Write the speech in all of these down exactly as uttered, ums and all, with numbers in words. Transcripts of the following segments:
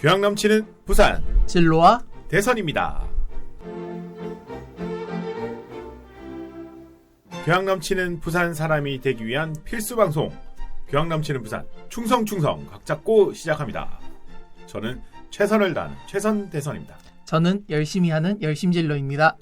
교양 넘치는 부산 진로와 대선입니다. 교양 넘치는 부산 사람이 되기 위한 필수 방송 교양 넘치는 부산 충성충성 각 잡고 시작합니다. 저는 최선을 다하는 최선 대선입니다. 저는 열심히 하는 열심진로입니다.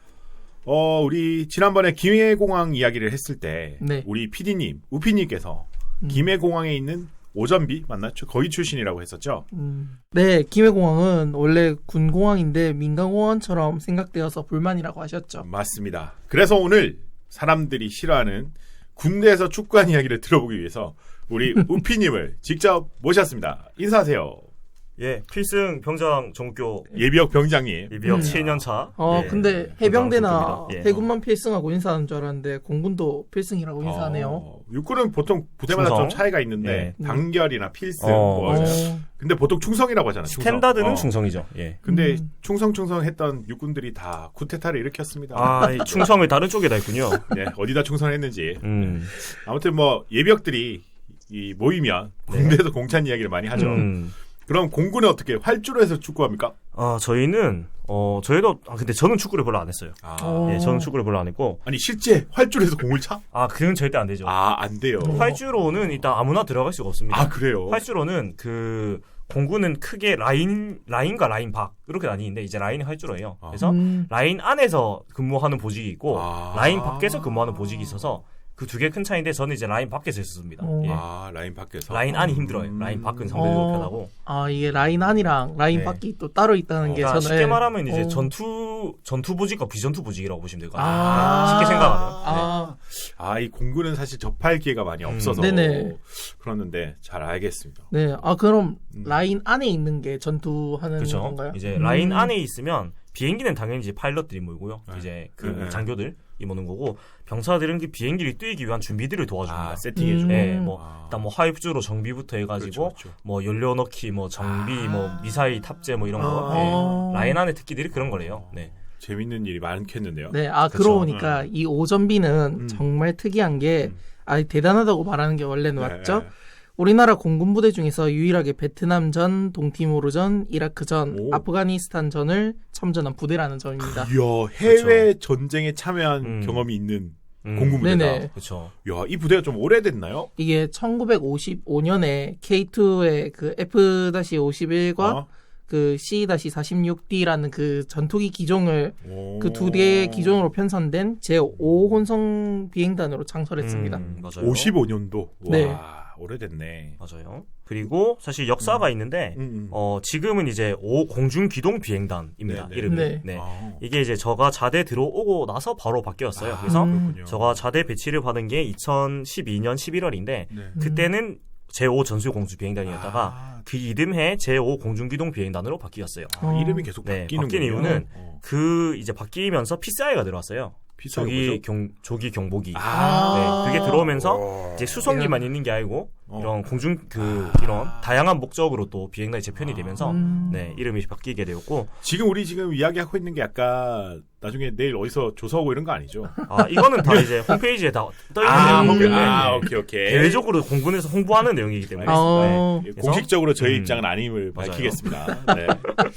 어, 우리 지난번에 김해공항 이야기를 했을 때 네. 우리 피디님, 우피님께서 음. 김해공항에 있는 오전비 맞나요? 거기 출신이라고 했었죠? 음. 네, 김해공항은 원래 군공항인데 민간공항처럼 생각되어서 불만이라고 하셨죠. 맞습니다. 그래서 오늘 사람들이 싫어하는 군대에서 축구한 이야기를 들어보기 위해서 우리 우피님을 직접 모셨습니다. 인사하세요. 예, 필승 병장 정교 예비역 병장님. 예비역 음. 칠 년 차. 어, 예, 근데 해병대나 병장 정교입니다. 예. 해군만 필승하고 인사하는 줄 알았는데 공군도 필승이라고 인사하네요. 어, 육군은 보통 부대마다 충성? 좀 차이가 있는데 예. 단결이나 필승. 어, 뭐. 어, 근데 보통 충성이라고 하잖아요. 충성. 스탠다드는 어. 충성이죠. 예. 근데 음. 충성충성했던 육군들이 다 쿠데타를 일으켰습니다. 아, 이 충성을 다른 쪽에다 했군요. 네, 어디다 충성했는지. 음. 아무튼 뭐 예비역들이 이 모이면 군대에서 공찬 이야기를 많이 하죠. 음. 그럼 공군은 어떻게 활주로 해서 축구합니까? 아, 저희는 어, 저희도 아 근데 저는 축구를 별로 안 했어요. 아, 어. 예, 저는 축구를 별로 안 했고. 아니 실제 활주로에서 공을 차? 아, 그건 절대 안 되죠. 아, 안 돼요. 활주로는 일단 아무나 들어갈 수가 없습니다. 아, 그래요? 활주로는 그 공군은 크게 라인 라인과 라인 밖 이렇게 나뉘는데 이제 라인이 활주로예요. 아. 그래서 음. 라인 안에서 근무하는 보직이 있고 아. 라인 밖에서 근무하는 보직이 있어서 그 두 개 큰 차이인데 저는 이제 라인 밖에서 했었습니다. 어. 예. 아, 라인 밖에서. 라인 안이 힘들어요. 음. 라인 밖은 상대적으로 어. 편하고. 아, 이게 라인 안이랑 라인 네. 밖이 또 따로 있다는 게 그러니까 저는 쉽게 말하면 이제 어. 전투 전투 보직과 비전투 보직이라고 보시면 될 것 같아요. 아. 네, 쉽게 생각하면. 네. 아, 아, 이 공군은 사실 접할 기회가 많이 음. 없어서. 네네. 그러는데 잘 알겠습니다. 네. 아, 그럼 음. 라인 안에 있는 게 전투하는 그렇죠. 건가요? 이제 음. 라인 안에 있으면 비행기는 당연히 이제 파일럿들이 모이고요. 네. 이제 그 네. 장교들이 모는 거고 병사들은 그 비행기를 뛰기 위한 준비들을 도와줍니다. 아, 세팅해줘. 음. 네, 뭐 아. 일단 뭐 하입주로 정비부터 해가지고 그렇죠, 그렇죠. 뭐 연료 넣기, 뭐 정비, 아. 뭐 미사일 탑재, 뭐 이런 거. 아. 네. 라인 안에 특기들이 그런 거래요. 네. 재밌는 일이 많겠는데요. 네, 아, 그쵸. 그러고 보니까 이 오전비는 음. 정말 특이한 게, 음. 아, 대단하다고 말하는 게 원래는 네. 맞죠? 우리나라 공군 부대 중에서 유일하게 베트남전, 동티모르전, 이라크전, 오. 아프가니스탄전을 참전한 부대라는 점입니다. 이야, 해외 전쟁에 참여한 음. 경험이 있는 음. 공군 부대다. 네네. 그렇죠. 야, 이 부대가 좀 오래됐나요? 이게 천구백오십오 년에 케이투의 그 에프 오십일과 어? 그 씨 사십육 디라는 그 전투기 기종을 오. 그 두 대의 기종으로 편성된 제오 혼성 비행단으로 창설했습니다. 음, 맞아요. 오십오 년도. 와, 네. 오래됐네. 맞아요. 그리고 사실 역사가 있는데 음, 음. 어, 지금은 이제 오 공중 기동 비행단입니다. 네, 네. 이름이. 네. 네. 아. 이게 이제 저가 자대 들어오고 나서 바로 바뀌었어요. 아, 그래서 음. 그렇군요. 저가 자대 배치를 받은 게 이천십이 년 십일월인데 네. 그때는 제오 전술 공주 비행단이었다가 아, 그 이듬해 제오 공중 기동 비행단으로 바뀌었어요. 아, 어. 이름이 계속 네, 바뀌는 바뀐 이유는 어. 그 이제 바뀌면서 피스아이가 들어왔어요. 비싸요, 조기 그죠? 경 조기 경보기. 아. 네, 그게 들어오면서 와. 이제 수송기만 있는 게 아니고 어. 이런 공중 그 이런 다양한 목적으로 또 비행단이 재편이 되면서 음. 네, 이름이 바뀌게 되었고 지금 우리 지금 이야기하고 있는 게 약간 나중에 내일 어디서 조사하고 이런 거 아니죠? 아, 이거는 다 이제 홈페이지에 다 떠 있는 아, 내용이기 오케이, 때문에 아, 네. 오케이, 오케이. 대외적으로 공군에서 홍보하는 내용이기 때문에 어. 네. 그래서- 공식적으로 저희 음. 입장은 아님을 맞아요. 밝히겠습니다. 네.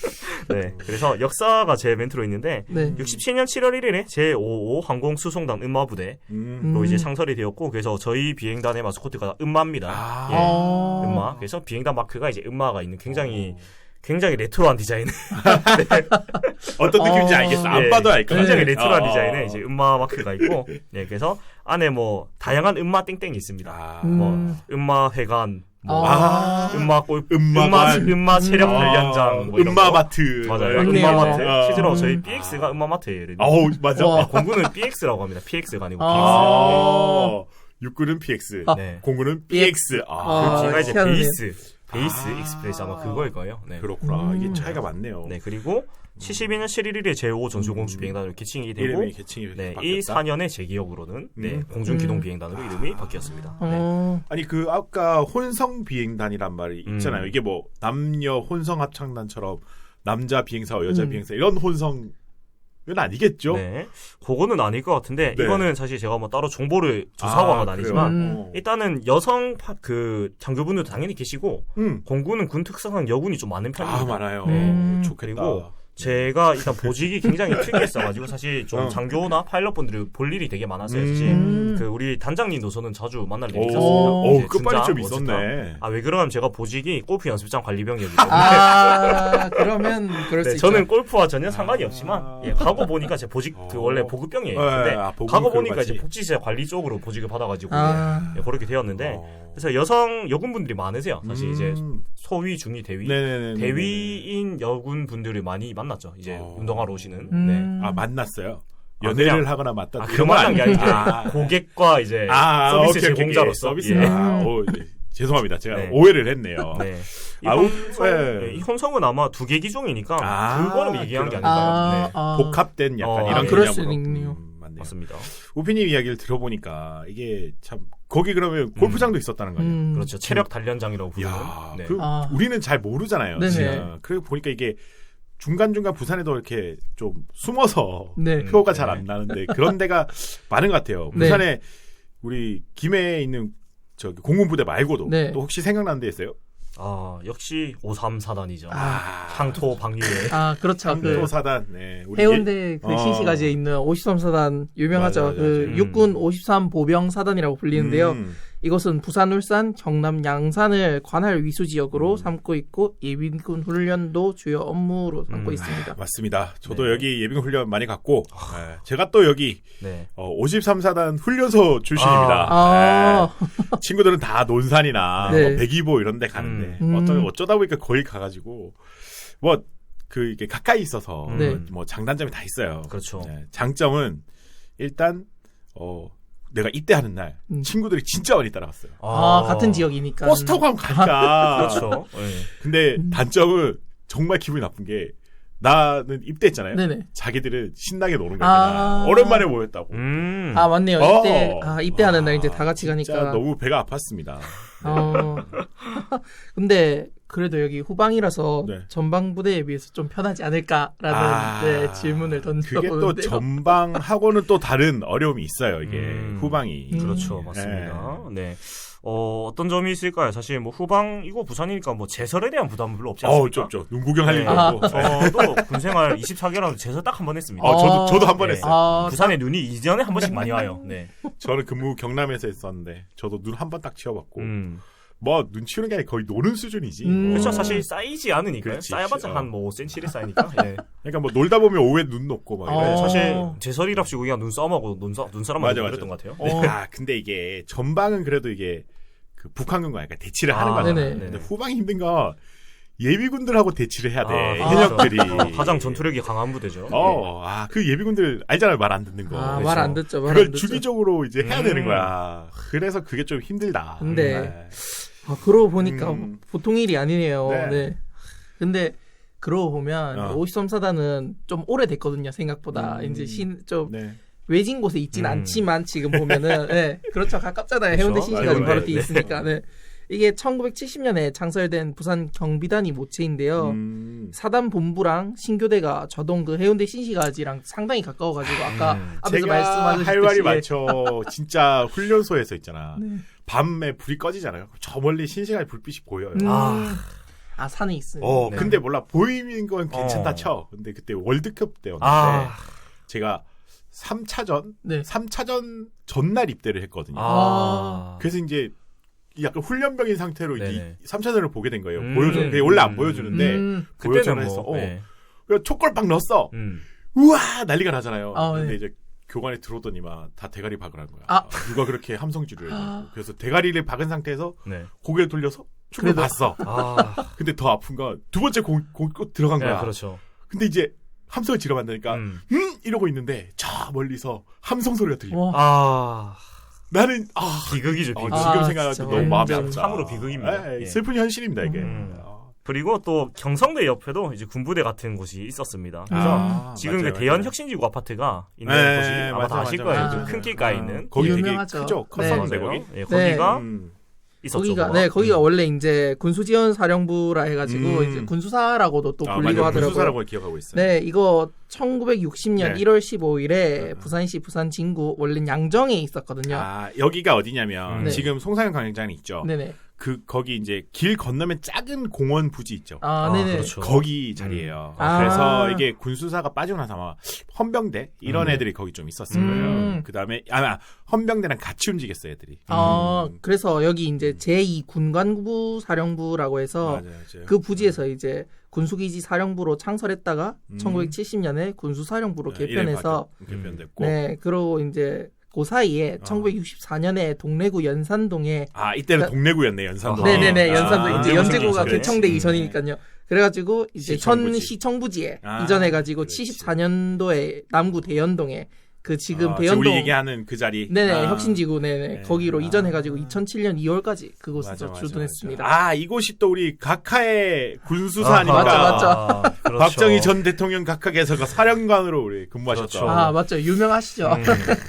네, 그래서 역사가 제 멘트로 있는데 네. 육십칠 년 칠월 일일에 제오오 항공수송단 음마부대로 음. 음. 이제 창설이 되었고 그래서 저희 비행단의 마스코트가 음마입니다. 아. 예. 어. 음마. 그래서 비행단 마크가 이제 음마가 있는 굉장히 굉장히 레트로한 디자인. 어떤 느낌인지 어. 알겠어. 안 예, 봐도 알 것 같아. 굉장히 레트로한 어. 디자인에 이제 음마 마크가 있고, 네, 그래서 안에 뭐 다양한 음마 땡땡이 있습니다. 아. 음. 뭐 음마 회관, 뭐 아. 음마 골, 음마관. 음마 음마 체력 음. 단련장, 뭐 이런 거. 음마마트. 맞아요. 좋네요. 음마마트. 아. 실제로 저희 음. 피엑스가 음마마트예요. 이름이. 아우, 맞아. 와. 공군은 피엑스라고 합니다. 피엑스가 아니고 피엑스. 아. 육군은 피엑스. 아. 네. 공군은 피엑스. 아. 아. 그 뒤가 이제 희한하네요. 베이스, 베이스 아. 익스프레스 아마 그거일 거예요. 네. 그렇구나. 이게 음. 차이가 많네요. 네, 그리고 칠십이 년 칠일일에 제오 전술공주 비행단으로 개칭이 되고, 이름이 개칭이 네, 바뀌었다. 이 사 년의 제 기억으로는 네, 음. 공중 기동 음. 비행단으로 이름이 바뀌었습니다. 네. 어. 아니 그 아까 혼성 비행단이란 말이 음. 있잖아요. 이게 뭐 남녀 혼성 합창단처럼 남자 비행사와 여자 음. 비행사 이런 혼성 이건 아니겠죠? 네. 그거는 아닐 것 같은데 네. 이거는 사실 제가 뭐 따로 정보를 조사하고 한 건 아, 아니지만 그래요? 어. 일단은 여성 파, 그 장교분들도 당연히 계시고 음. 공군은 군 특성상 여군이 좀 많은 편입니다. 아 많아요. 음. 좋겠다. 그리고 제가 일단 보직이 굉장히 특이했어가지고 사실 좀 어. 장교나 파일럿분들이 볼 일이 되게 많았어요. 사실 음. 그 우리 단장님도 저는 자주 만날 일이 오, 있었습니다. 오, 이제 끝발이 좀 준장, 있었네. 아, 왜 그러냐면 제가 보직이 골프 연습장 관리병이었기 때문에 아, 그러면 그럴 네, 수 저는 있죠. 골프와 전혀 상관이 아. 없지만 예, 가고 보니까 제 보직 그 어. 원래 보급병이에요. 네, 근데 아, 보급은 가고 그거 보니까 맞지. 이제 복지시설 관리 쪽으로 보직을 받아가지고 아. 예, 그렇게 되었는데 어. 그래서 여성 여군분들이 많으세요. 사실 음. 이제 소위, 중위, 대위 네네네. 대위인 여군 분들을 많이 만났죠. 이제 어. 운동하러 오시는. 음. 네. 아 만났어요. 아, 연애를 그냥- 하거나 맞다. 아, 그런 그런 건 만난 게 아니고 아. 고객과 이제 아, 서비스 오케이, 오케이, 제공자로서 오케이. 서비스. 예. 아, 오, 네. 죄송합니다. 제가 네. 오해를 했네요. 네. 이, 아, 혼성, 네. 네, 이 혼성은 아마 두 개 기종이니까 아, 그거를 얘기한 게 그럼. 아닐까요? 아, 네. 아. 복합된 약간 어, 이런 아, 그럴 개념으로. 수도 있네요. 음, 맞네요. 맞습니다. 우피님 이야기를 들어보니까 이게 참 거기 그러면 골프장도 있었다는 거 아니에요? 음. 그렇죠. 체력 단련장이라고 부르는. 야, 네. 그 아. 우리는 잘 모르잖아요. 네네. 진짜. 그리고 보니까 이게 중간중간 부산에도 이렇게 좀 숨어서 네. 표가 네. 잘 안 나는데 그런 데가 많은 것 같아요. 네. 부산에 우리 김해에 있는 저기 공군부대 말고도 네. 또 혹시 생각나는 데 있어요? 아, 역시 오삼사단이죠. 아, 향토 방위에. 아, 그렇죠. 그 향토사단. 네. 우리 해운대 그 어. 신시가지에 있는 오십삼 사단 유명하죠. 맞아, 맞아, 그 맞아. 육군 오십삼 보병 사단이라고 불리는데요. 음. 이것은 부산, 울산, 경남, 양산을 관할 위수 지역으로 음. 삼고 있고 예비군 훈련도 주요 업무로 삼고 음, 있습니다. 맞습니다. 저도 네. 여기 예비군 훈련 많이 갔고 네. 제가 또 여기 네. 어, 오십삼 사단 훈련소 출신입니다. 아. 네. 친구들은 다 논산이나 네. 뭐 백이보 이런 데 가는데 음. 어쩌, 어쩌다 보니까 거기 가가지고 뭐 그 이게 가까이 있어서 네. 뭐 장단점이 다 있어요. 그렇죠. 네. 장점은 일단 어 내가 입대하는 날 음. 친구들이 진짜 많이 따라갔어요. 아, 같은 지역이니까. 버스 타고 가면 가니까. 그렇죠. 네. 근데 음. 단점은 정말 기분이 나쁜 게 나는 입대했잖아요. 네네. 자기들은 신나게 노는 거야. 아. 오랜만에 모였다고. 음. 아, 맞네요. 어. 입대, 아, 입대하는 와, 날 이제 다 같이 진짜 가니까. 너무 배가 아팠습니다. 어. 근데 그래도 여기 후방이라서 네. 전방 부대에 비해서 좀 편하지 않을까라는 아, 네, 질문을 그게 또 던져보는데요. 전방하고는 또 다른 어려움이 있어요. 이게 음. 후방이. 음. 그렇죠. 맞습니다. 네. 어, 어떤 점이 있을까요? 사실 뭐 후방이고 부산이니까 뭐 제설에 대한 부담은 별로 없지 어우, 않습니까? 좀, 좀. 눈 구경할 네. 일도 없고. 저도 군생활 이십사 개월하면서 제설 딱 한 번 했습니다. 어, 저도, 아. 저도 한 번 네. 했어요. 아, 부산에 눈이 이전에 한 번씩 많이 와요. 네. 저는 근무 경남에서 했었는데, 저도 눈 한 번 딱 치워봤고, 음. 뭐, 눈 치우는 게 아니라 거의 노는 수준이지. 음. 뭐. 그렇죠. 사실 쌓이지 않으니까요. 그렇지, 쌓여봤자 어. 한 뭐 오 센티미터를 쌓이니까. 예. 그러니까 뭐, 놀다 보면 오후에 눈 녹고 막 이래. 어. 사실 제설이랍시고 그냥 눈싸움하고 눈싸, 눈사람하고 맞아, 맞아. 그랬던 것 같아요. 어. 아, 근데 이게, 전방은 그래도 이게, 그 북한군과 약간 대치를 하는 아, 거잖아요. 네네. 근데 네네. 후방이 힘든 건, 예비군들하고 대치를 해야 돼. 아, 현역들이. 그렇죠. 가장 전투력이 강한 부대죠. 어, 아, 그 예비군들 알잖아요. 말 안 듣는 거. 아, 그렇죠. 말 안 듣죠. 말 그걸 안 듣죠. 주기적으로 이제 해야 음. 되는 거야. 그래서 그게 좀 힘들다. 근데 네. 아, 그러고 보니까 음. 보통 일이 아니네요. 네. 네. 근데 그러고 보면 어. 오십삼 사단은 좀 오래됐거든요. 생각보다 음. 이제 신, 좀 네. 외진 곳에 있진 음. 않지만 지금 보면은 네, 그렇죠. 가깝잖아요. 그렇죠. 해운대 신시가지 맞아요. 바로 네. 뒤에 있으니까. 네. 이게 천구백칠십 년에 창설된 부산 경비단이 모체인데요. 음. 사단 본부랑 신교대가 저동 그 해운대 신시가지랑 상당히 가까워가지고 아까 음. 앞에서 제가 말씀하셨듯이 할 말이 많죠. 진짜 훈련소에서 있잖아. 네. 밤에 불이 꺼지잖아요. 저 멀리 신시간 불빛이 보여요. 음. 아. 아 산에 있어요. 어, 네. 근데 몰라. 보이는 건 괜찮다 어. 쳐. 근데 그때 월드컵 때였는데 아. 제가 삼 차전, 네. 삼 차전 전날 입대를 했거든요. 아. 그래서 이제 약간 훈련병인 상태로 네네. 이 삼 차전을 보게 된 거예요. 음. 보여주는 게 원래 안 보여주는데 음. 보여줘라 그때는 했어. 뭐. 어. 네. 그래서 촉골빵 넣었어. 음. 우와 난리가 나잖아요. 아, 근데 네. 이제 교관에 들어오더니만 다 대가리 박을 한 거야. 아. 누가 그렇게 함성질을 해가지고. 아. 그래서 대가리를 박은 상태에서 네. 고개를 돌려서 축을 그래도- 봤어. 아. 근데 더 아픈 건 두 번째 공, 공, 꼭 들어간 네, 거야. 그렇죠. 근데 이제 함성을 지르 만드니까 음. 음 이러고 있는데 저 멀리서 함성 소리가 들려. 와. 아. 나는 아 비극이죠, 어, 비극. 아, 지금 생각하면 진짜 너무 마음이 완전 아프다. 참으로 비극입니다. 에이, 예. 슬픈 현실입니다 이게. 음. 아. 그리고 또 경성대 옆에도 이제 군부대 같은 곳이 있었습니다. 그래서 아, 지금 맞아요, 그 대연 맞아요. 혁신지구 아파트가 있는 네, 곳이 아마 맞아, 다 아실 맞아, 거예요. 맞아. 그 큰 길가에 있는. 거기 되게 유명하죠. 크죠. 네. 컸었는데 맞아요. 거기. 예, 거기가 음. 있었죠. 거기가 뭐가. 네 거기가 음. 원래 이제 군수지원사령부라 해가지고 음. 이제 군수사라고도 또 아, 불리고 맞아요. 하더라고요. 군수사라고 기억하고 있어요. 네, 이거 천구백육십 년 네. 일월 십오일에 네. 부산시 부산 진구 원래 양정에 있었거든요. 아, 여기가 어디냐면 네. 지금 송사영 광장이 있죠. 네네. 그 거기 이제 길 건너면 작은 공원 부지 있죠. 아, 아, 네네. 그렇죠. 거기 자리예요. 아. 그래서 이게 군수사가 빠지고 나서 아마 헌병대 이런 음. 애들이 거기 좀 있었을 음. 거예요. 그다음에 아 헌병대랑 같이 움직였어요, 애들이. 어, 음. 그래서 여기 이제 제이 군관부 사령부라고 해서 맞아요, 맞아요. 그 부지에서 이제 군수기지 사령부로 창설했다가 음. 천구백칠십 년에 군수사령부로 네, 개편해서 이름이 바뀌었- 개편됐고. 네, 그리고 이제 그 사이에 어. 천구백육십사 년에 동래구 연산동에 아, 이때는 그- 동래구였네, 연산동. 네네네 아, 연산동 이제 연제구 연제구가 시기죠. 개청되기 음. 전이니까요. 그래가지고 이제 시청부지. 현 시청부지에 아, 이전해가지고 그렇지. 칠십사 년도에 남구 대연동에 그 지금 아, 대연동 우리 얘기하는 그 자리. 네네 아. 혁신지구 네네 네. 거기로 아. 이전해가지고 이천칠 년 이월까지 그곳에서 맞아, 맞아, 주둔했습니다. 맞아. 아, 이곳이 또 우리 각하의 군수사 아닙니까? 맞죠, 맞죠. 아, 그렇죠. 박정희 전 대통령 각하께서가 사령관으로 우리 근무하셨죠. 그렇죠. 아 맞죠 유명하시죠. 음.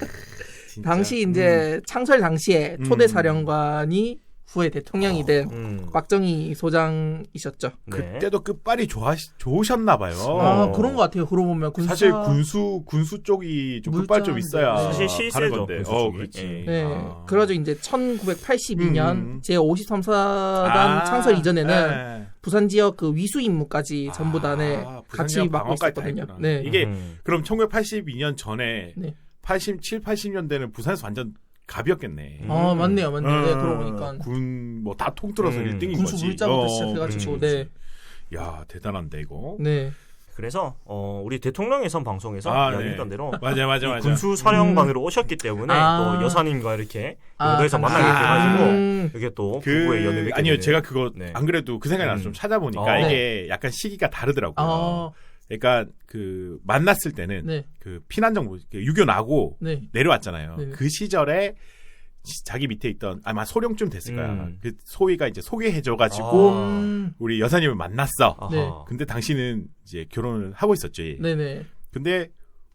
진짜. 당시 이제 창설 당시에 음. 초대 사령관이 후에 대통령이 된 음. 박정희 소장이셨죠. 네. 그때도 끝발이 좋아 좋으셨나 봐요. 아 어. 그런 것 같아요. 그러고 보면 군사 사실 군수 군수 쪽이 좀 끝발 좀 물자인데. 있어야 네. 사실 가는 실세죠, 건데. 군수 어, 쪽이. 그렇지. 예. 네. 아. 그래가지고 이제 천구백팔십이 년 음. 제오십삼 사단 아, 창설 이전에는 네. 부산 지역 그 위수 임무까지 전부 다 네, 아, 부산 같이 지역 맡고 방어까지 다 있었거든요. 했구나. 네. 이게 음. 그럼 천구백팔십이 년 전에 네. 팔십칠, 팔십 년대는 부산에서 완전 갑이었겠네. 음. 아 맞네요, 맞네요. 네, 어, 그러고 보니까 군 뭐 다 통틀어서 음. 일 등인 군수 거지. 물자부터 어, 시작해가지고 그렇지, 네, 그렇지. 야 대단한데 이거. 네. 그래서 어, 우리 대통령에선 방송에서 아, 이야기했던 네. 대로 맞아 맞아 이 맞아. 군수 사령관으로 오셨기 때문에 아. 또 여사님과 이렇게 아, 영도에서 당시- 만나게 돼가지고 음. 이게 또 그 부부의 연을 맺게 아니요 되는. 제가 그거 네. 안 그래도 그 생각이 나서 음. 좀 찾아보니까 어. 이게 약간 시기가 다르더라고요. 아, 그러니까 그 만났을 때는 네, 그 피난 정부 유교 나고 네. 내려왔잖아요. 네. 그 시절에 지- 자기 밑에 있던 아마 소령쯤 됐을 거야. 음. 그 소위가 이제 소개해줘가지고 아. 음, 우리 여사님을 만났어. 아하. 네. 근데 당신은 이제 결혼을 하고 있었지. 네네. 근데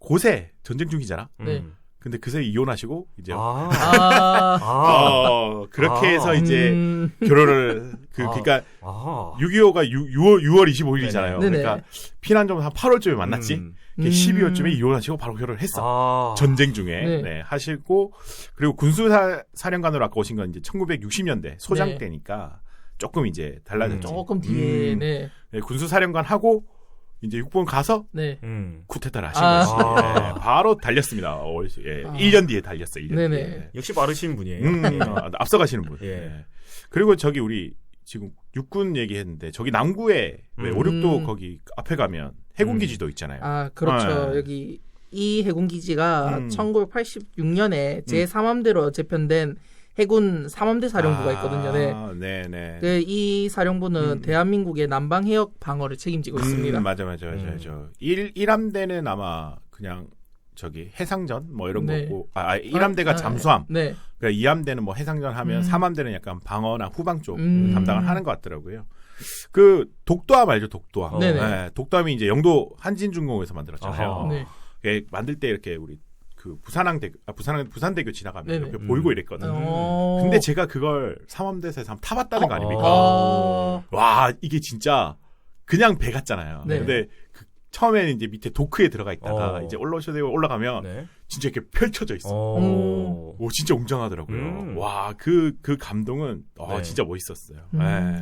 고세 전쟁 중이잖아. 네. 음. 근데 그새 이혼하시고 이제 아. 아, 아. 어 그렇게 아. 해서 이제 음, 결혼을 그 아. 그러니까 아. 육이오가 유월 유월 이십오일이잖아요. 네네. 그러니까 피난 좀 한 팔월쯤에 만났지. 음. 음. 십이월쯤에 이혼하시고 바로 결혼을 했어. 아. 전쟁 중에 네. 네, 하시고 그리고 군수사 사령관으로 아까 오신 건 이제 천구백육십 년대 소장 네. 때니까 조금 이제 달라졌죠. 음. 조금 뒤에 음. 네, 네, 군수 사령관 하고 이제 육본 가서 네. 음. 쿠데타를 하신 아. 거지. 아. 네, 바로 달렸습니다. 어, 예, 아. 일 년 뒤에 달렸어. 일 년 네네. 뒤에. 역시 빠르신 분이에요. 음, 예. 어, 앞서가시는 분. 예. 네. 그리고 저기 우리 지금 육군 얘기했는데 저기 남구에 왜 음. 오륙도 음. 거기 앞에 가면 해군기지도 있잖아요. 아 그렇죠. 네. 여기 이 해군기지가 음. 천구백팔십육 년에 제삼 함대로 재편된 해군 삼 함대 사령부가 있거든요. 네. 아, 네네. 그 이 사령부는 음. 대한민국의 남방 해역 방어를 책임지고 있습니다. 음, 맞아, 맞아, 맞아, 음. 맞아. 일, 일 함대는 아마 그냥 저기 해상전 뭐 이런 네. 거고, 아, 일 함대가 아, 잠수함. 네. 그러니까 이 함대는 뭐 해상전 하면 음. 삼 함대는 약간 방어나 후방 쪽 음. 담당을 하는 것 같더라고요. 그 독도함 알죠, 독도함. 어. 네네. 네, 독도함이 이제 영도 한진중공에서 만들었잖아요. 아하. 네. 예, 만들 때 이렇게 우리 그 부산항대, 아, 부산 부산대교 지나가면 네네. 이렇게 음. 보이고 이랬거든요. 어... 근데 제가 그걸 삼함대에서 한번 타봤다는 거 아닙니까? 어... 와, 이게 진짜 그냥 배 같잖아요. 네. 근데 그 처음에는 이제 밑에 도크에 들어가 있다가 어. 이제 올라오셔야 되고 올라가면 네. 진짜 이렇게 펼쳐져 있어. 어. 오, 진짜 웅장하더라고요. 음. 와, 그, 그 감동은, 어, 네. 진짜 멋있었어요. 음. 네.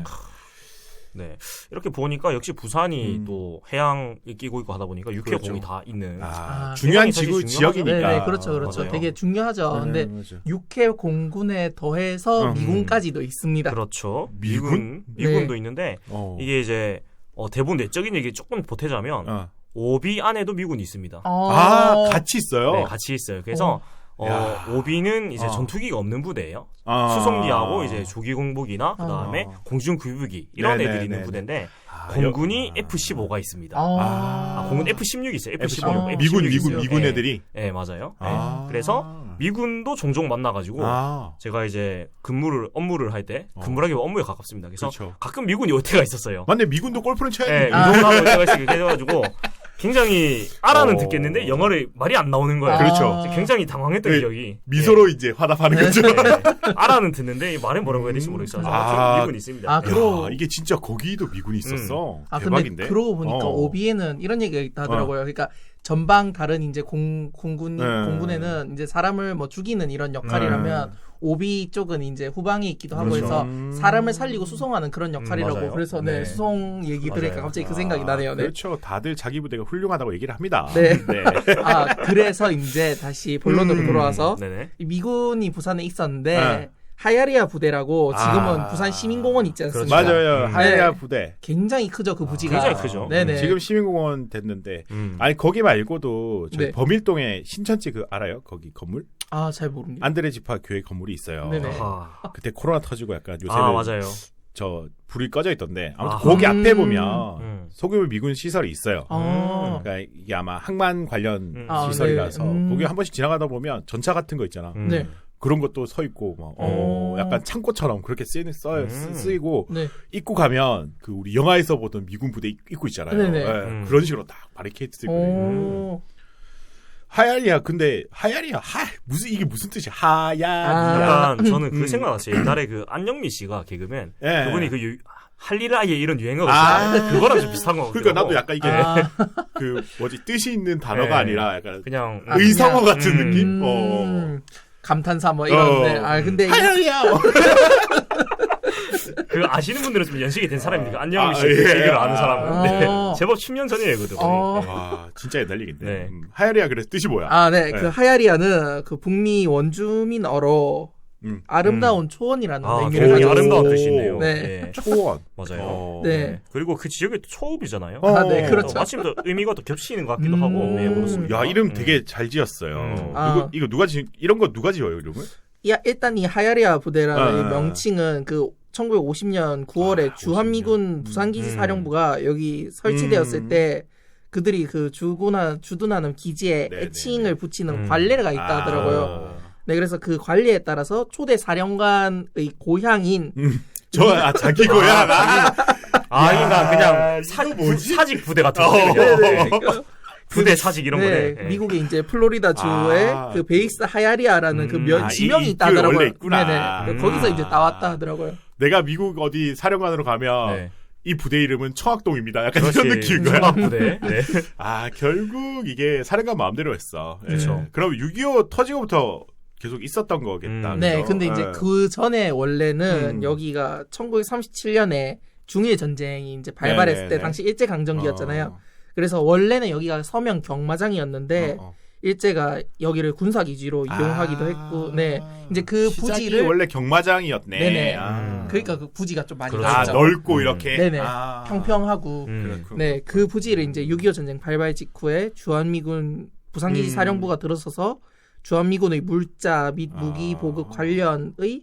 네. 이렇게 보니까 역시 부산이 음. 또 해양에 끼고 있고 하다 보니까 육해공이 그렇죠. 다 있는. 아, 아, 중요한 사실 지구 중요하죠. 지역이니까. 네, 네, 그렇죠, 그렇죠. 맞아요. 되게 중요하죠. 근데 맞아. 육해 공군에 더해서 음. 미군까지도 있습니다. 그렇죠. 미군? 미군? 미군도 네. 있는데 어. 이게 이제 어, 대부분 내적인 얘기 조금 보태자면 어. 오비 안에도 미군이 있습니다. 어... 아, 같이 있어요? 네, 같이 있어요. 그래서 어, 야. 오비는 이제 어. 전투기가 없는 부대예요. 아. 수송기하고 이제 조기 공복이나 그다음에 아. 공중 구유기 이런 네네, 애들이 있는 네네. 부대인데 아, 공군이 여- 에프 십오가 있습니다. 아, 아, 공군 에프 십육이 있어요. 에프 십오. 아. 미군, 미군, 있어요. 미군 네. 애들이. 네, 맞아요. 네. 아. 그래서 미군도 종종 만나가지고 아. 제가 이제 근무를 업무를 할 때 어. 근무라기보다 업무에 가깝습니다. 그래서 그렇죠. 가끔 미군이 올 때가 있었어요. 맞네, 미군도 골프는 쳐야 네, 돼. 운동을 하고 올 때가 있어요. 그래가지고 굉장히 알아는 어. 듣겠는데 영어를 말이 안 나오는 거예요. 그렇죠. 굉장히 당황했던 네. 기억이. 미소로 이제 화답하는 거죠. 네. 네. 알아는 듣는데 말은 뭐라고 해야 될지 모르겠어서 아. 좀 미분이 있습니다. 아, 네. 그러- 야, 이게 진짜 거기도 미군이 있었어. 아 대박인데. 근데 그러고 보니까 어. 오비에는 이런 얘기가 있다 하더라고요. 그러니까 전방 다른 이제 공 공군 네. 공군에는 이제 사람을 뭐 죽이는 이런 역할이라면 오비 쪽은 이제 후방에 있기도 하고 그렇죠. 해서 음. 사람을 살리고 수송하는 그런 역할이라고 맞아요. 그래서 네, 네. 수송 얘기 들으니까 맞아요. 갑자기 그 생각이 나네요. 네. 그렇죠. 다들 자기 부대가 훌륭하다고 얘기를 합니다. 네. 아 그래서 이제 다시 본론으로 음. 돌아와서 네네. 이 미군이 부산에 있었는데 네. 하야리아 부대라고 지금은 아. 부산 시민공원 있지 않습니까? 그렇죠. 맞아요. 음. 하야리아 네. 부대. 굉장히 크죠 그 부지가. 굉장히 크죠. 네네. 지금 시민공원 됐는데 음. 아니 거기 말고도 저희 네. 범일동에 신천지 그 알아요? 거기 건물? 아 잘 모릅니다. 안드레 지파 교회 건물이 있어요. 네네. 아, 그때 코로나 터지고 약간 요새는 아 맞아요. 저 불이 꺼져 있던데 아무튼 아. 거기 음. 앞에 보면 음. 소규모 미군 시설이 있어요. 아. 그러니까 이게 아마 항만 관련 음. 아, 시설이라서 네. 음. 거기 한 번씩 지나가다 보면 전차 같은 거 있잖아. 음. 네. 그런 것도 서 있고 막 어, 오. 약간 창고처럼 그렇게 쓰이, 써, 음. 쓰- 쓰이고 네. 입구 가면 그 우리 영화에서 보던 미군 부대 입- 입구 있잖아요. 네네. 예, 음. 그런 식으로 딱 바리케이트 있고 오. 하야리야 근데 하야리야 하 무슨 이게 무슨 뜻이야 하야리야 아. 약간 저는 그 음. 생각났어요. 옛날에 그 안영미 씨가 개그맨 예. 그분이 그 유, 할리라예 이런 유행어가 아. 있어요. 그거랑 좀 비슷한 거 같아요. 그러니까 나도 약간 이게 아. 그 뭐지 뜻이 있는 단어가 네. 아니라 약간 그냥 아, 의성어 그냥- 같은 음. 느낌. 어. 음, 감탄사 뭐 이런데 어. 아 근데 이- 하야리야. 그 아시는 분들은 좀 연식이 된 사람이니까 아, 안영미 씨 예. 그 얘기를 아는 사람은 네. 어. 제법 십 년 전 얘기거든요. 어. 와 진짜 옛날 얘긴데. 네. 음, 하야리야 그래서 뜻이 뭐야? 아, 네. 네. 그 하야리아는 그 북미 원주민어로 음. 아름다운 초원이라는 아, 의미를 굉장히 가지고 아름다운 있어요. 뜻이네요. 네. 네. 초원. 맞아요. 어. 네. 그리고 그 지역이 또 초읍이잖아요. 어. 아, 네, 그렇죠. 마침 또 의미가 또 겹치는 것 같기도 음. 하고. 네, 그렇습니다. 야 이름 음. 되게 잘 지었어요. 음. 아. 이거 이거 누가 지 이런 거 누가 지어요 이름을? 야, 일단 이 하야리아 부대라는 아. 이 명칭은 그 천구백오십 년 구월에 아, 주한미군 오십 년. 부산기지 음. 사령부가 여기 설치되었을 음. 때 그들이 그 주둔하, 주둔하는 기지에 네네. 애칭을 붙이는 음. 관례가 있다 하더라고요. 아. 네, 그래서 그 관례에 따라서 초대 사령관의 고향인 음. 저 아, 자기 고향. 아, 아, 야, 그러니까 그냥 사, 이거 뭐지? 사직 부대 같은 어. 거. 네네. 부대 사직 이런 네, 거네. 네. 미국의 이제 플로리다 주에 아. 그 베이스 하야리아라는 그 음. 면, 아, 지명이 이- 있다 이 하더라고요. 원래 있구나. 네네. 음. 거기서 이제 나왔다 하더라고요. 내가 미국 어디 사령관으로 가면 네. 이 부대 이름은 청학동입니다. 약간 그렇지. 이런 느낌인 거야. 청학 부대. 네. 아 결국 이게 사령관 마음대로 했어. 예. 그렇죠. 그럼 육이오 터지고부터 계속 있었던 거겠다. 음. 네, 그죠? 근데 이제 예. 그 전에 원래는 음. 여기가 천구백삼십칠 년에 중일 전쟁이 이제 발발했을 네네네. 때 당시 일제 강점기였잖아요. 어. 그래서 원래는 여기가 서명 경마장이었는데 어, 어. 일제가 여기를 군사 기지로 이용하기도 아. 했고, 네, 이제 그 시작이 부지를 원래 경마장이었네. 네네. 아. 그러니까 그 부지가 좀 많이 그렇죠. 아 넓죠. 넓고 음. 이렇게. 네네. 아. 평평하고, 음. 그렇군. 네, 그 부지를 이제 육이오 전쟁 발발 직후에 주한미군 부산기지 음. 사령부가 들어서서 주한미군의 물자 및 무기 아. 보급 관련의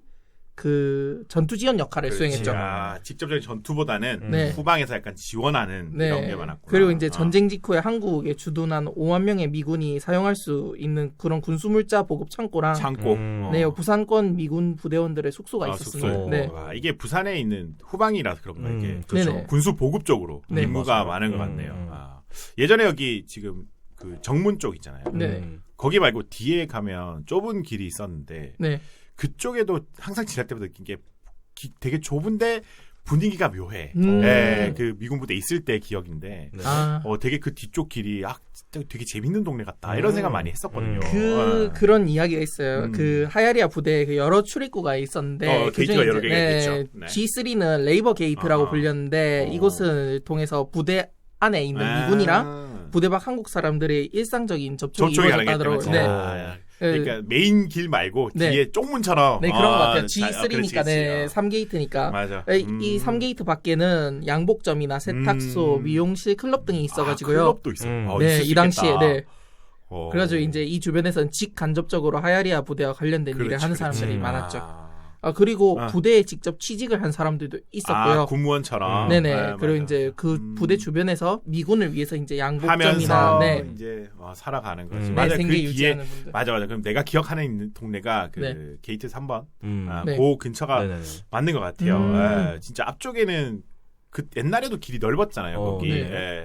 그 전투 지원 역할을 그렇지. 수행했죠. 아, 직접적인 전투보다는 네. 후방에서 약간 지원하는 네. 이런 게 많았구나. 그리고 이제 아. 전쟁 직후에 한국에 주둔한 오만 명의 미군이 사용할 수 있는 그런 군수물자 보급 창고랑 창고. 음. 어. 네, 부산권 미군 부대원들의 숙소가 아, 있었습니다. 숙소. 네. 와, 이게 부산에 있는 후방이라서 그런가 음, 이게 그렇죠. 네네. 군수 보급 쪽으로 네. 임무가 맞아요. 많은 것 음, 같네요. 음. 아. 예전에 여기 지금 그 정문 쪽 있잖아요. 네. 음. 거기 말고 뒤에 가면 좁은 길이 있었는데 네. 그쪽에도 항상 지날 때마다 느낀 게 기- 되게 좁은데 분위기가 묘해. 음. 예, 그 미군 부대 있을 때 기억인데 네. 아, 어 되게 그 뒤쪽 길이 아 진짜 되게 재밌는 동네 같다 이런 음. 생각 많이 했었거든요. 음. 그 어. 그런 이야기가 있어요. 음. 그 하야리아 부대에 그 여러 출입구가 있었는데 어, 그중에 게이트가 여러 이제, 개가 네, 있겠죠. 네. 지쓰리는 레이버 게이트라고 아. 불렸는데 어. 이곳을 통해서 부대 안에 있는 아. 미군이랑 부대 밖 한국 사람들의 일상적인 접촉이 접촉이 이루어졌다 가능했다면 하더라고요. 네. 네. 그러니까 메인 길 말고 네. 뒤에 쪽문처럼 네, 그런 것 같아요. 아, 지쓰리니까 네, 삼 게이트니까. 맞아. 이, 음. 이 삼 게이트 밖에는 양복점이나 세탁소, 음. 미용실, 클럽 등이 있어가지고요. 아, 클럽도 있어. 음. 어, 네, 있을 수 이 당시에 있겠다. 네. 어. 그래가지고 이제 이 주변에서는 직간접적으로 하야리아 부대와 관련된 일을 그렇지, 하는 그렇지. 사람들이 음. 많았죠. 아, 아 그리고 아. 부대에 직접 취직을 한 사람들도 있었고요. 아, 군무원처럼. 네네. 네, 그리고 맞아. 이제 그 음. 부대 주변에서 미군을 위해서 이제 양복점이나 하면서 네, 이제 와, 살아가는 거지. 음. 네, 맞아. 그 생계 뒤에 유지하는 분들. 맞아 맞아. 그럼 내가 기억하는 있는 동네가 그 네. 게이트 삼 번. 음. 아, 네. 그 근처가 네네네. 맞는 것 같아요. 음. 예, 진짜 앞쪽에는 그 옛날에도 길이 넓었잖아요. 어, 거기. 네. 예.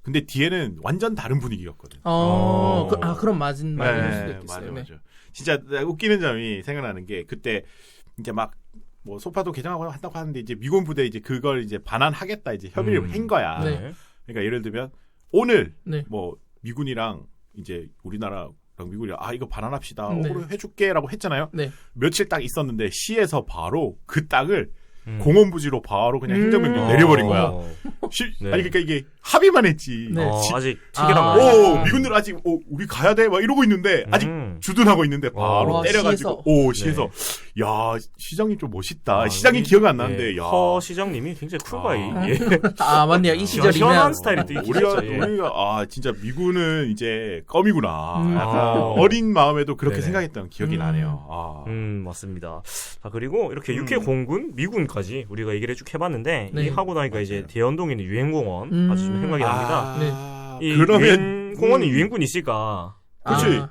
근데 뒤에는 완전 다른 분위기였거든. 어, 어. 그, 아 그럼 맞은 말일 수도 네, 있겠어요. 맞아, 네. 맞아. 진짜 웃기는 점이 생각나는 게 그때 이제 막 뭐 소파도 개정하고 한다고 하는데 이제 미군 부대 이제 그걸 이제 반환하겠다 이제 협의를 음. 한 거야. 네. 그러니까 예를 들면 오늘 네. 뭐 미군이랑 이제 우리나라랑 미군이랑 아 이거 반환합시다. 네. 오늘 해줄게라고 했잖아요. 네. 며칠 딱 있었는데 시에서 바로 그 땅을 음. 공원부지로 바로 그냥 음. 행정명령 어. 내려버린 거야. 어. 시, 네. 아니 그러니까 이게 합의만 했지. 네. 어, 지- 아직 체결한 아. 거 오 아니에요. 미군들 아직 오, 우리 가야 돼 막 이러고 있는데 아직 음. 주둔하고 있는데 바로 어. 때려가지고 시에서. 오 시에서 야 시장님 좀 멋있다. 아, 시장이 우리- 기억이 안 나는데 네. 야 허 시장님이 굉장히 쿨바이. 아. 예. 아 맞네요. 이 시원한 시절이면 스타일이 또 있긴 우리가 했죠. 예. 우리가 아 진짜 미군은 이제 껌이구나. 음. 약간 아. 어린 마음에도 그렇게 네네. 생각했던 기억이 음. 나네요. 아. 음 맞습니다. 자 그리고 이렇게 음. 육해 공군, 미군까지 우리가 얘기를 쭉 해봤는데 네. 이 하고 나니까 이제 맞아요. 대연동에 있는 유엔공원 음. 아주 좀 생각이 납니다. 아, 이 그러면 유엔공원에 음. 유엔군 있을까? 그렇지 아,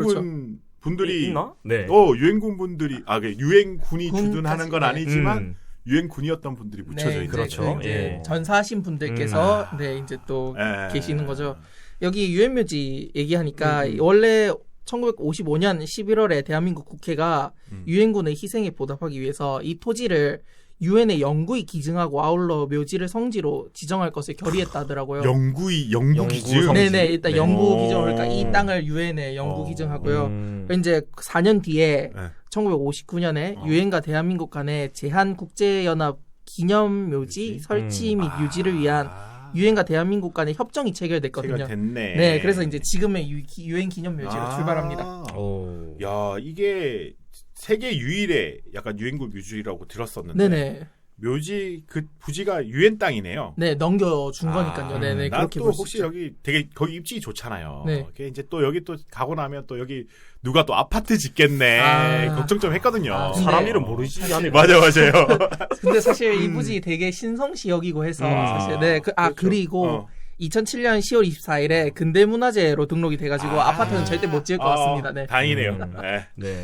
유엔군 분들이 이- 있나? 네. 어 유엔군 분들이 아 그 유엔군이 군까지, 주둔하는 건 네. 아니지만 음. 유엔군이었던 분들이 묻혀져 있는 그렇죠. 거죠. 이제 예. 전사하신 분들께서 음. 네 이제 또 예. 계시는 거죠. 여기 유엔묘지 얘기하니까 음. 원래 천구백오십오 년 십일월에 대한민국 국회가 음. 유엔군의 희생에 보답하기 위해서 이 토지를 유엔에 영구히 기증하고 아울러 묘지를 성지로 지정할 것을 결의했다 하더라고요. 영구이 영구 영구 기증. 성지. 네네 일단 네. 영구 오. 기증 그러니까 이 땅을 유엔에 영구 어. 기증하고요. 음. 이제 사 년 뒤에 네. 천구백오십구 년에 어. 유엔과 대한민국 간의 제한 국제연합 기념 묘지 묘지? 설치 음. 및 유지를 위한 아. 유엔과 대한민국 간의 협정이 체결됐거든요. 체결됐네. 네, 그래서 이제 지금의 유, 기- 유엔 기념 묘지로 아. 출발합니다. 오. 야 이게 세계 유일의 약간 유엔군 묘지라고 들었었는데 네네. 묘지 그 부지가 유엔 땅이네요. 네, 넘겨준 거니까요. 네네, 그렇게 난또 볼 수 혹시 있죠. 여기 되게 거기 입지가 좋잖아요. 네. 그게 이제 또 여기 또 가고 나면 또 여기 누가 또 아파트 짓겠네 아. 걱정 좀 했거든요. 아, 사람 네. 이름 모르지 않을 맞아 맞아요. 근데 사실 이 부지 되게 신성시역이고 해서 음. 사실 네, 그, 아 그렇죠. 그리고 어. 이천칠 년 시월 이십사일에 근대문화재로 등록이 돼가지고 아. 아. 파트는 절대 못 지을 것 아, 같습니다. 네. 다행이네요. 음. 네. 네.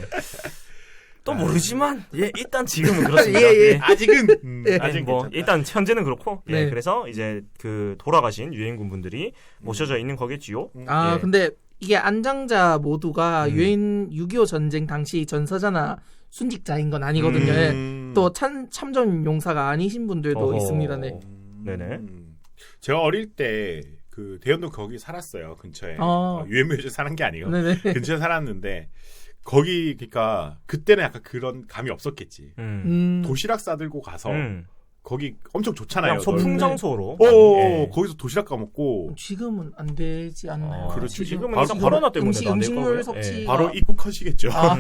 또 모르지만 예 일단 지금은 그렇습니다. 예, 예. 네. 아직은 음, 네. 아직 뭐 괜찮다. 일단 현재는 그렇고 예, 네. 그래서 이제 그 돌아가신 유엔군 분들이 모셔져 있는 거겠지요. 아 예. 근데 이게 안장자 모두가 음. 유엔 육이오 전쟁 당시 전사자나 순직자인 건 아니거든요. 예. 음. 또 참, 참전 용사가 아니신 분들도 어허. 있습니다. 네. 음. 네네. 제가 어릴 때 그 대연동 거기 살았어요 근처에. 어. 어, 유엔묘지 사는 게 아니고 네네. 근처에 살았는데 거기 그러니까 그때는 약간 그런 감이 없었겠지. 음. 음. 도시락 싸들고 가서 음. 거기 엄청 좋잖아요. 그냥 소풍 네. 장소로. 어, 예. 거기서 도시락 까먹고 지금은 안 되지 않나요? 아, 그렇죠. 지금은 바로- 일단 바로 코로나 때문에 음식, 안될 음식물 거고요. 섭취. 예. 바로 입국하시겠죠. 아,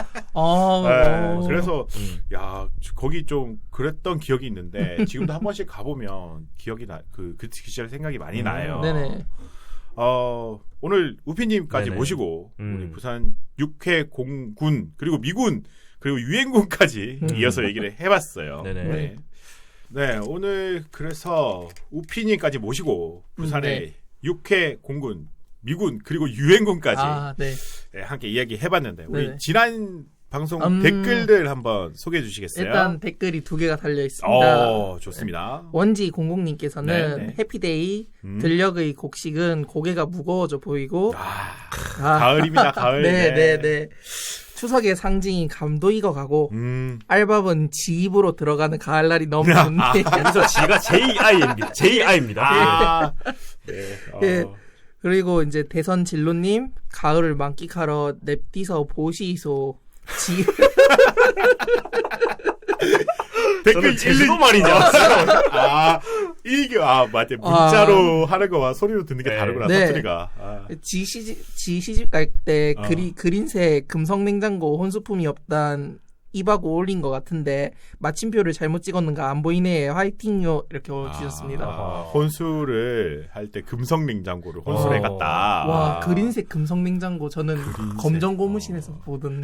아, 네, 어. 그래서 음. 야 거기 좀 그랬던 기억이 있는데 지금도 한 번씩 가보면 기억이 나그 그 시절 생각이 많이 음. 나요. 네네. 어, 오늘 우피님까지 네네. 모시고 음. 우리 부산 육해 공군 그리고 미군 그리고 유엔군까지 음. 이어서 얘기를 해봤어요. 네네. 네. 네, 오늘 그래서 우피님까지 모시고 부산의 음, 네. 육해 공군 미군 그리고 유엔군까지 아, 네. 네, 함께 이야기해봤는데 우리 네네. 지난 방송 음. 댓글들 한번 소개해 주시겠어요? 일단 댓글이 두 개가 달려 있습니다. 어, 좋습니다. 원지 공공님께서는 네, 네. 해피데이 음. 들녘의 곡식은 고개가 무거워져 보이고 아, 아, 가을입니다, 가을. 네, 네, 네. 추석의 상징인 감도 익어가고 음. 알밥은 지 입으로 들어가는 가을날이 너무 좋네. 여기서 지가 제이아이입니다. 제이아이입니다. 아, 네. 어. 예. 그리고 이제 대선 진로님 가을을 만끽하러 냅디서 보시소. 지 댓글 저는 제주도 일일이- 말이냐. 아, 이게, 아, 맞아. 문자로 하는 거와 소리로 듣는 게 네. 다르구나, 네. 사투리가. 아. 지 시집 지 시집 갈 때 어. 그리 그린색 금성 냉장고 혼수품이 없단 입하고 올린 것 같은데 마침표를 잘못 찍었는가 안 보이네 화이팅요 이렇게 주셨습니다. 아, 혼수를 할 때 금성 냉장고를 혼수를 어. 해갔다. 와 아. 그린색 금성 냉장고 저는 그린색. 검정 고무신에서 어. 보던.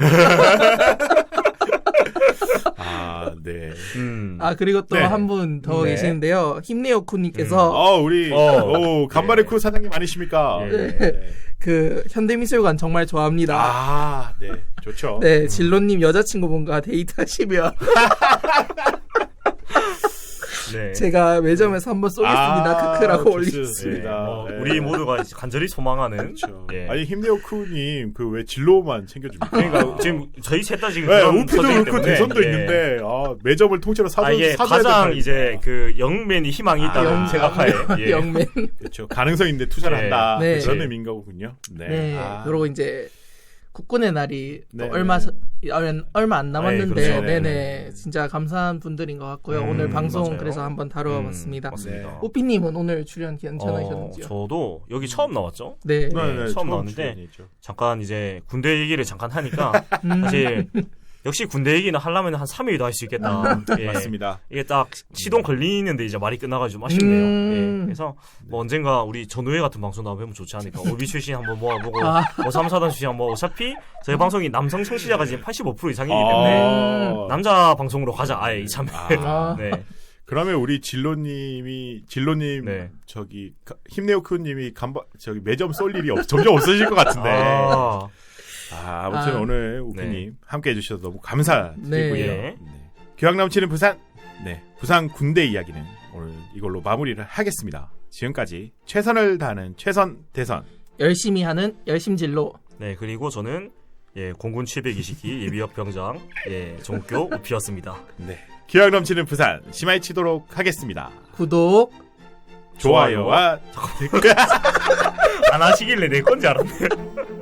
아, 네. 음. 아 그리고 또 네. 한 분 더 네. 계시는데요. 힘내요 쿠님께서 어, 우리, 어. 오, 간발의 네. 쿠 사장님 아니십니까? 네. 네. 그 현대미술관 정말 좋아합니다. 아, 네. 좋죠. 네 진로님 여자친구분과 데이트하시면 네. 제가 매점에서 한번 쏘겠습니다. 아, 크크라고 좋습니다. 올리겠습니다. 네, 뭐 네. 우리 모두가 이제 간절히 소망하는. 그렇죠. 예. 아니 힘내요쿠님 그 왜 진로만 챙겨줍니까? 그러니까 지금 저희 셋 다 지금 네, 그런 우피도 처지이기 그렇고 때문에, 대선도 예. 있는데 아, 매점을 통째로 사줘 아, 이게 사줘야 가장 될 이제 그 영맨이 희망이 있다는 아, 생각하에 예. 영맨. 그렇죠. 가능성인데 투자를 네. 한다. 네. 그런 의미인 거군요. 네. 네. 아. 그리고 이제 국군의 날이 또 네, 얼마 네. 서- 얼- 얼마 안 남았는데, 그렇죠. 네네, 네. 진짜 감사한 분들인 것 같고요. 음, 오늘 방송 맞아요. 그래서 한번 다뤄봤습니다. 음, 맞습니다. 네. 오피님은 오늘 출연 어, 괜찮으셨는지요? 저도 여기 처음 나왔죠. 네. 네, 네, 처음 나왔는데 출연이죠. 잠깐 이제 군대 얘기를 잠깐 하니까 음, 사실 역시 군대 얘기는 하려면 한 삼 일도 할 수 있겠다. 예. 맞습니다. 이게 딱 시동 걸리는데 이제 말이 끝나가지고 좀 아쉽네요. 음. 예. 그래서 뭐 언젠가 우리 전우회 같은 방송 나오면 좋지 않을까. 오비 출신 한번 모아보고 아. 뭐 삼사단 출신 한번 어차피 저희 방송이 남성 청취자가 지금 팔십오 퍼센트 이상이기 때문에 아. 남자 방송으로 가자. 아예 이참에. 아. 네. 그러면 우리 진로님이 진로님 네. 저기 가- 힘내요쿠님이 간바 저기 매점 쏠 일이 없, 점점 없어질 것 같은데. 아, 아, 아무튼 아. 오늘 우피님 함께 해주셔서 너무 감사드리고요. 네. 예. 네. 교양 넘치는 부산, 네 부산 군대 이야기는 오늘 이걸로 마무리를 하겠습니다. 지금까지 최선을 다하는 최선 대선. 열심히 하는 열심진로. 네. 그리고 저는 예, 공군 칠백이십 기 예비역 병장 예, 정교 우피였습니다. 네. 교양 넘치는 부산 심하게 치도록 하겠습니다. 구독. 좋아요와 안 하시길래 내 건지 알았네.